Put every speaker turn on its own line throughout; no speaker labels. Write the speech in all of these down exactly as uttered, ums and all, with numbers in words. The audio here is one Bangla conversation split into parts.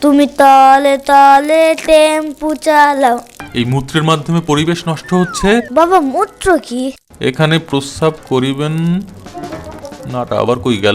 তুমি তলে তলে টেম্পু চালাও।
এই মূত্রের মাধ্যমে পরিবেশ নষ্ট হচ্ছে।
বাবা মূত্র কি?
এখানে প্রস্রাব করিবেন। নাটা আবার কই গেল?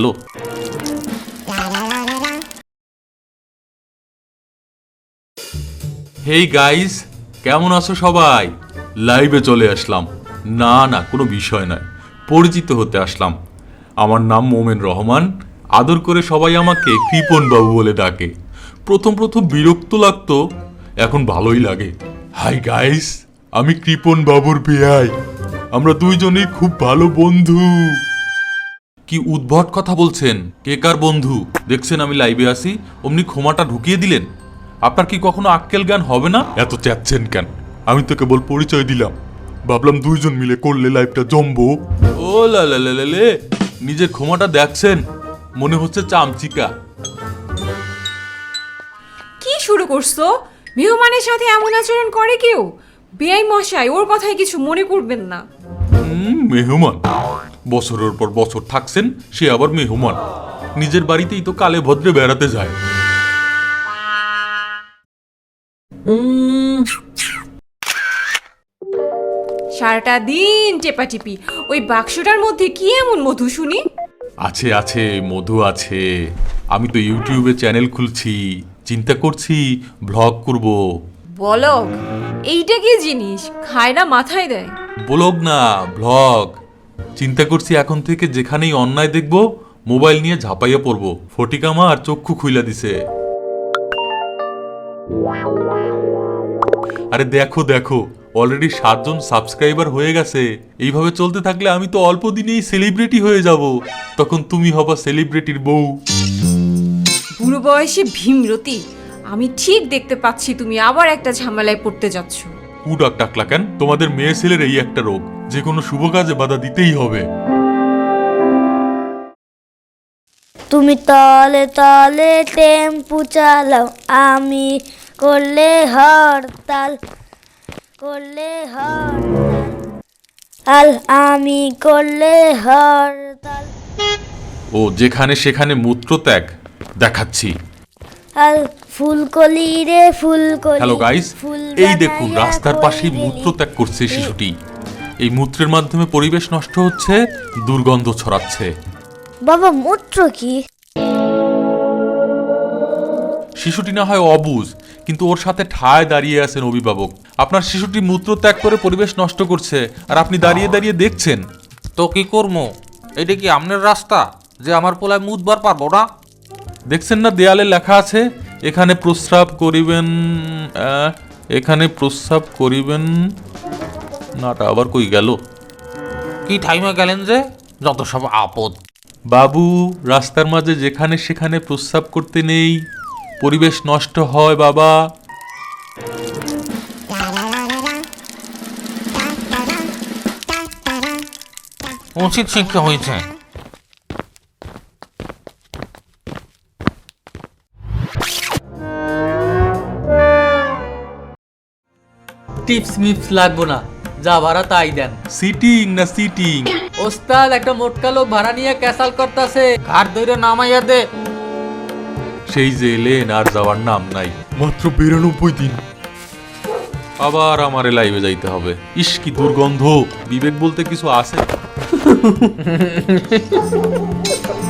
হেই গাইস, কেমন আছো সবাই? লাইভে চলে আসলাম। না না কোনো বিষয় নয়, পরিচিত হতে আসলাম। আমার নাম মোমেন রহমান। আদর করে সবাই আমাকে কৃপন বাবু বলে ডাকে। প্রথম প্রথম বিরক্ত লাগতো, এখন ভালোই লাগে। হাই গাইস, আমি কৃপন বাবুর বেয়াই। আমরা দুইজনই খুব ভালো বন্ধু। কি উদ্ভট কথা বলছেন? কে কার বন্ধু? দেখছেন আমি লাইভে আসি, অমনি ক্ষমাটা ঢুকিয়ে দিলেন। আপনার কি কখনো আক্কেল জ্ঞান হবে না? এত চাচ্ছেন কেন? আমি তো কেবল পরিচয় দিলাম, ভাবলাম দুইজন মিলে করলে লাইভটা জমবো। ও লা লা লা লা লে, নিজের ক্ষমাটা দেখছেন? মনে হচ্ছে চামচিকা।
কি শুরু করছো? মেহমানের সাথে এমন আচরণ করে কেউ? বেআই মশাই, ওর কথায় কিছু মনে করবেন না।
হুম, মেহমান বছরের পর বছর থাকছেন, সে আবার মেহমান। নিজের বাড়িতেই তো কালে ভদ্রে বেড়াতে যায়।
সারাটা দিন টেপাটিপি, ওই বাক্সটার মধ্যে কি এমন মধু শুনি?
আছে আছে, মধু আছে। আমি তো ইউটিউবে চ্যানেল খুলছি, চিন্তা করছি ব্লগ করব।
বলক, এইটা কি জিনিস? খায় না মাথায় দেয়?
ব্লগ না, ব্লগ। চিন্তা করছি এখন থেকে যেখানেই অন্যায় দেখব, মোবাইল নিয়ে ঝাঁপাইয়া পড়ব। ফটিকামা আর চক্ষু খুইলা দিছে। আরে দেখো দেখো, অলরেডি সাতজন সাবস্ক্রাইবার হয়ে গেছে। এইভাবে চলতে থাকলে আমি তো অল্প দিনেই সেলিব্রিটি হয়ে যাব। তখন তুমি হবা সেলিব্রিটির বউ।
বুড়ো বয়সে ভীমরতি, আমি ঠিক দেখতে পাচ্ছি তুমি আবার একটা ঝামেলায় পড়তে যাচ্ছ।
কুডাক টাকলা কেন? তোমাদের মেয়ে ছেলের এই একটা রোগ, যে কোনো শুভ কাজে বাধা দিতেই হবে।
তুমি তলে তলে টেম্পু চালাও, আমি করলে হরতাল, করলে হরতাল, আমি করলে হরতাল।
ও যেখানে সেখানে মূত্রত্যাগ দেখাচ্ছি।
আল ফুলকলি রে ফুলকলি।
হ্যালো গাইস,
ফুল
এই দেখুন
বানাইয়া
রাস্তার পাশেই
কইরেলি।
মূত্রত্যাগ করছে শিশুটি। এই মূত্রের মাধ্যমে পরিবেশ নষ্ট হচ্ছে, দুর্গন্ধ ছড়াচ্ছে।
বাবা মূত্র কি?
শিশুটি না হয় অবুঝ, কিন্তু ওর সাথে ঠায় দাঁড়িয়ে আছেন অভিভাবক। আপনার শিশুটি মূত্রত্যাগ করে পরিবেশ নষ্ট করছে, আর আপনি দাঁড়িয়ে দাঁড়িয়ে দেখছেন।
তো কি করবো? এটা কি আমনের রাস্তা যে আমার পোলায় মুদবার পারবো না?
দেখছেন না দেয়ালে লেখা আছে, এখানে প্রস্রাব করিবেন। আহ, এখানে প্রস্রাব করিবেন। নাটা আবার কই গেল?
কি টাইমে গেলেন যে? যত সব আপদ।
বাবু, রাস্তার মাঝে যেখানে সেখানে প্রস্রাব করতে নেই, পরিবেশ নষ্ট হয় বাবা।
উচিত শিক্ষা হয়েছে।
টিপস মিপস লাগবো না, যা ভাড়া তাই দেন।
সিটিং না সিটিং?
ওস্তাদ, একটা মোটকা লোক ভাড়া নিয়ে ক্যাসাল করতেছে।
ঘাট ধরে নামাইয়া দে।
সেই যে এলেন, আর যাওয়ার নাম নাই। মাত্র বিরানব্বই দিন, আবার আমারে লাইভে যাইতে হবে। ইস কি দুর্গন্ধ! বিবেক বলতে কিছু আছে?